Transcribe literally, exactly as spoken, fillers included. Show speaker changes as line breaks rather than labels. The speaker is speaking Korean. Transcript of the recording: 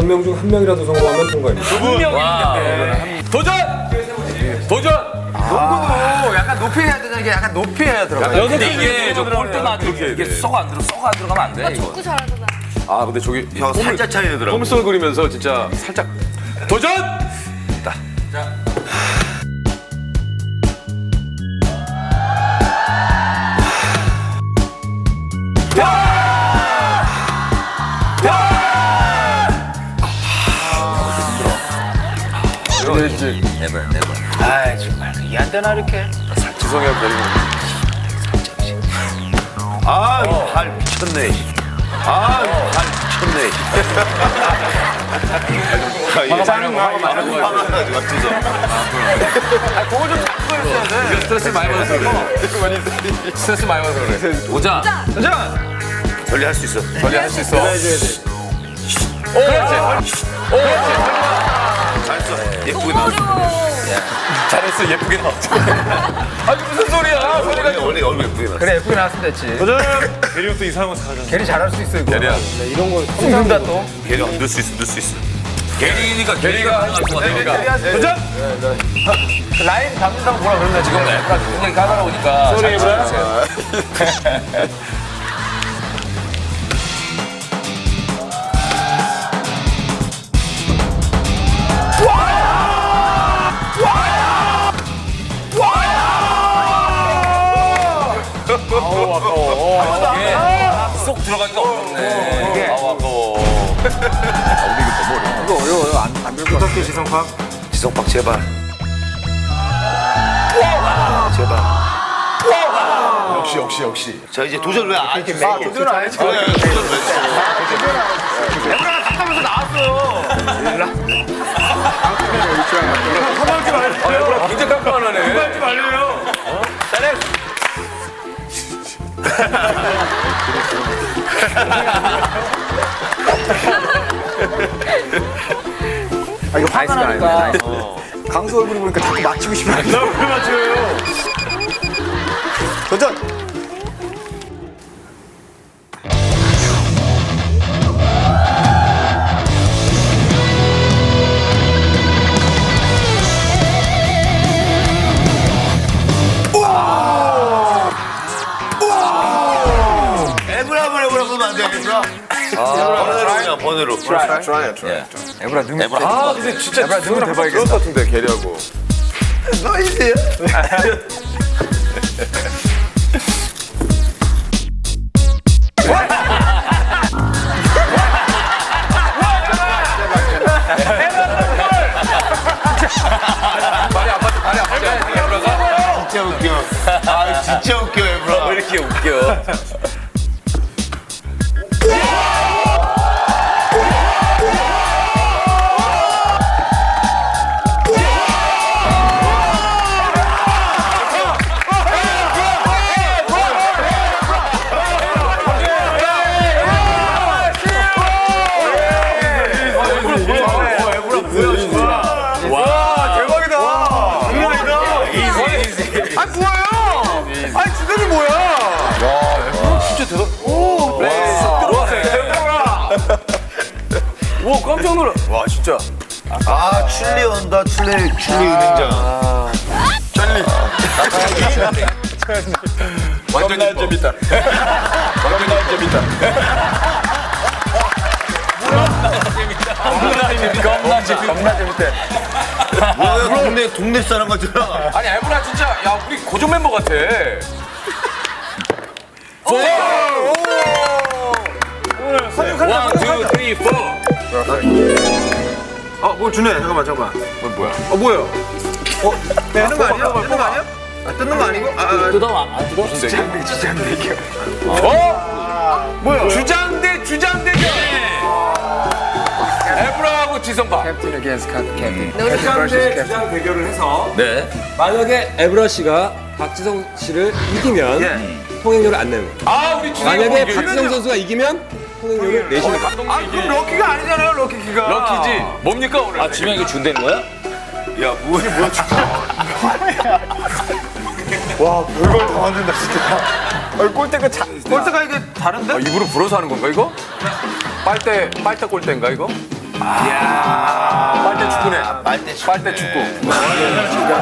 열 명 중 한 명이라도 성공하면 통과입니다.
두 분. 도전! 도전!
농구도 약간 높이 해야 되는 게 약간 높이 해야 들어가.
근데 이게 저 골대 맞으 이게 썩 안 들어, 썩 안 들어가면 안 돼.
오빠
이거.
축구 잘하잖아.
아 근데 저기
형 살짝 차이 나더라고.
홈스톤 그리면서 진짜 살짝 도전! 자.
네버 네버. 아이 정말 이게 안 되나 이렇게.
지성이 형 데리고.
아, 발 미쳤네. 아, 발 미쳤네.
화가 많이 많은 거야.
공을 좀 잡고 있어야 돼.
스트레스 많이 받아서 그래. 스트레스 많이 받아서 그래. 오자.
도전.
전리 할 수 있어.
전리 할 수 있어.
해줘야 돼.
오, 그렇지. 오, 그렇지.
잘했어. 예쁘게
너무
나왔어.
어려워.
잘했어. 예쁘게 나왔지. 아니 무슨 소리야? 소리가
원래, 원래 얼굴 예쁘게 나왔어.
그래 예쁘게 나왔으면 됐지.
대리형 또 이상한 거 잘하잖아.
걔리 잘할 수 있어 이거.
게리야.
네, 이런 거
숨는다 또.
걔가 넣을 수 있어, 넣을 수 있어.
게리니까 게리가 할것 같으니까.
도전. 라인 잡는다고 뭐라 그러는데 지금 애가 굉장히 까다로우니까.
소리 해보라. 쏙 들어가기가 어렵네. 아우 아까워.
이거 어려워요. 안안 밀고.
부탁해 지성팍.
지성박 제발. 제발.
역시 역시 역시.
자 이제 도전 왜 안? 해?
아 도전 안 했지.
도전 왜?
애들아 갔다면서 나왔어요.
화나지 말래요.
아, 굉장히 깜깜하네.
화나지 말래요.
아 이거 화가 나니까.
강수 얼굴 보니까 자꾸 맞히고 싶어. 나왜 맞춰요? 도전.
에브라 에브라 에브라 그러면 안 돼. 에브라. 번외로 그냥 번외로.
트라이 트라이.
애브라 능.
아 근데 진짜
애브라 능을 대박이겠다.
그럴 것 같은데 게리하고.
너희세요?
말이 아파트 말이 아파트 에브라가
진짜 웃겨. 아 진짜 웃겨 에브라.
왜 이렇게 웃겨? 와 대박이다.
아니 뭐예요? 아니 주변이 뭐야?
진짜 대박. 오, 네. 쏙 들어왔어요. 와 깜짝 놀라. 와 진짜.
아 칠리 온다 칠리 칠리 은행장.
완전 재밌다. 완전 재밌다. 겁나 재밌다. 겁나 재밌다. 겁나 재밌대.
뭐야 동네 동네 사람 같잖아.
아니 에브라 진짜 야 우리 고정 멤버 같아. 원, 투, 쓰리, 포.
어뭘 주네. 잠깐만 잠깐만.
뭐 뭐야?
어 뭐야? 어 되는 거 아니야? 되는 거 아니야? 아 뜯는 거 아니고? 아, 아
뜯어 안 뜯어? 주장대 주장대. 어? 뭐야? 주장대 주장대결. 에브라하고 지성파.
캡틴 against 캡틴.
주장 대 주장 대결을 해서
네.
만약에 에브라 씨가 박지성 씨를 이기면 통행료를 안 내는 거예요.
아 우리 주장.
만약에 박지성 선수가 이기면 통행료를 내시는 거예요.
아 그럼 럭키가 아니잖아요 럭키가.
럭키지. 뭡니까 오늘? 아 지명 이거 준다는 거야?
야 뭐야 뭐야
와 별걸 다 만든다 진짜.
어, 골대가 자, 골대가 이게 다른데?
아, 입으로 불어서 하는 건가 이거? 빨대 빨대 골대인가 이거? 빨대 축구네.
빨대 축구.
빨대 축구.